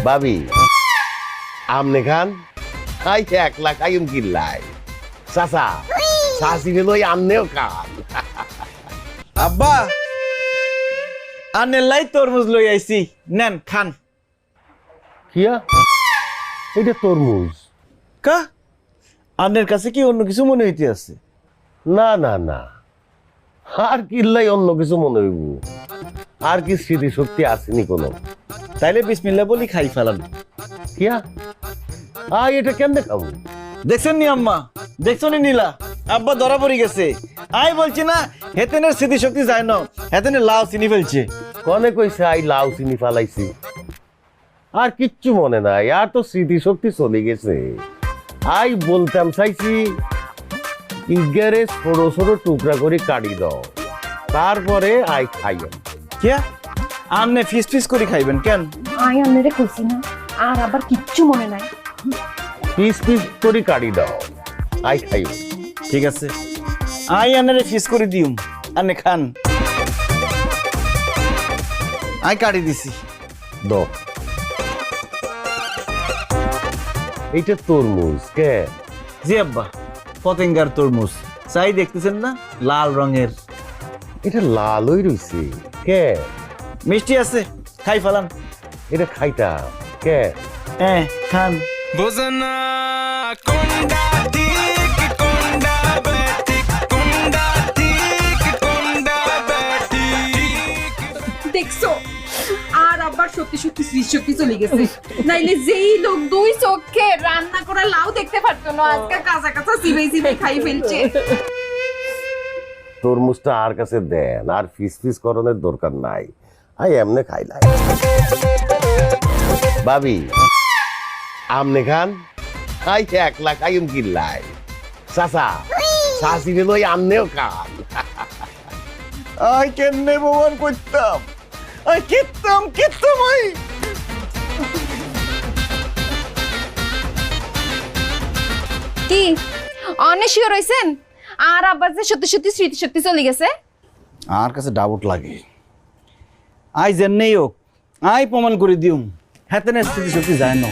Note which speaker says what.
Speaker 1: ভাবি আমনে খান আই 1 লাখ আইম কিল্লাই চাচা চাচি লই আমনেও খান।
Speaker 2: আব্বা আনের লাই তরমুজ লই আইছি, নেন খান।
Speaker 1: কিয়া এটা তরমুজ?
Speaker 2: কা আনের কাছে কি অন্য কিছু মনে হইতে আছে?
Speaker 1: না না না, আর কিল্লাই অন্য কিছু মনে হইব? আর কি স্মৃতি শক্তি আসেনি কোনো?
Speaker 2: তাইলে বিসমিল্লাহ বলি খাই ফেলান।
Speaker 1: কিয়া এটা কেমনে খাবো?
Speaker 2: দেখছেন নি আম্মা, দেখছো নি নীলা, আব্বা ধরা পড়ে গেছে। আই বলছি না হেতেনের স্মৃতিশক্তি যায় না, হেতেনের লাউ চিনি ফেলছে।
Speaker 1: কনে কইছে আই লাউ চিনি ফালাইছি? আর কিচ্ছু মনে নাই, আর তো স্মৃতি শক্তি চলে গেছে। আই বলতাম চাইছি ইগারে ছোট ছোট টুকরা করে কাটি দাও, তারপরে আই খাইও।
Speaker 2: কিয়া আমনে ফিস ফিস করে খাইবেন কেন?
Speaker 3: আই আন্নারে কইছি না, আর আবার কিচ্ছু মনে নাই।
Speaker 1: পিস পিস করে কাটি দাও, আই খাইও।
Speaker 2: ঠিক আছে, আই আনারে ফিস করে দিউম, আনে খান। আই কাটি দিছি।
Speaker 1: দাও। এইটা তরমুজ কে?
Speaker 2: জি আব্বা, পতেঙ্গার তরমুজ। চাই দেখতেছেন না, লাল রঙের।
Speaker 1: এটা লালই রইছে কে?
Speaker 2: মিষ্টি আছে, খাই ফেলান।
Speaker 1: এটা খাইতা কে?
Speaker 2: হ্যাঁ খান।
Speaker 4: বোঝনা কোনটা ঠিক কোনটা বেঠিক কোনটা ঠিক কোনটা বেঠিক।
Speaker 3: দেখছো আর আবার সত্যি সত্যি স্মৃতিশক্তি চলে গেছে। নাইলে যেই লোক 2 চোখে রান্না করা লাউ দেখতে পারতো না, আজকে কাঁচা কাঁচা চিবাই চিবাই খাই ফেলছে।
Speaker 1: তরমুজটা আর কাছে দেন, আর ফিস ফিস করণের দরকার নাই। আই এমনে খাইলাই। ভাবি আমনে খান আই 1 লাখ আইম কিল্লাই চাচা চাচি লই আমনেও খান।
Speaker 2: আই কেমনে ভগবান করতাম, আই কিতাম আই।
Speaker 3: কি অনেক শিওর হইছেন আর আবার যে সত্যি সত্যি স্মৃতিশক্তি চলে গেছে?
Speaker 2: আর কাছে ডাউট লাগে। আই জেনেই হোক আই প্রমাণ করে দিউম হেতেনের স্মৃতিশক্তি যায় না।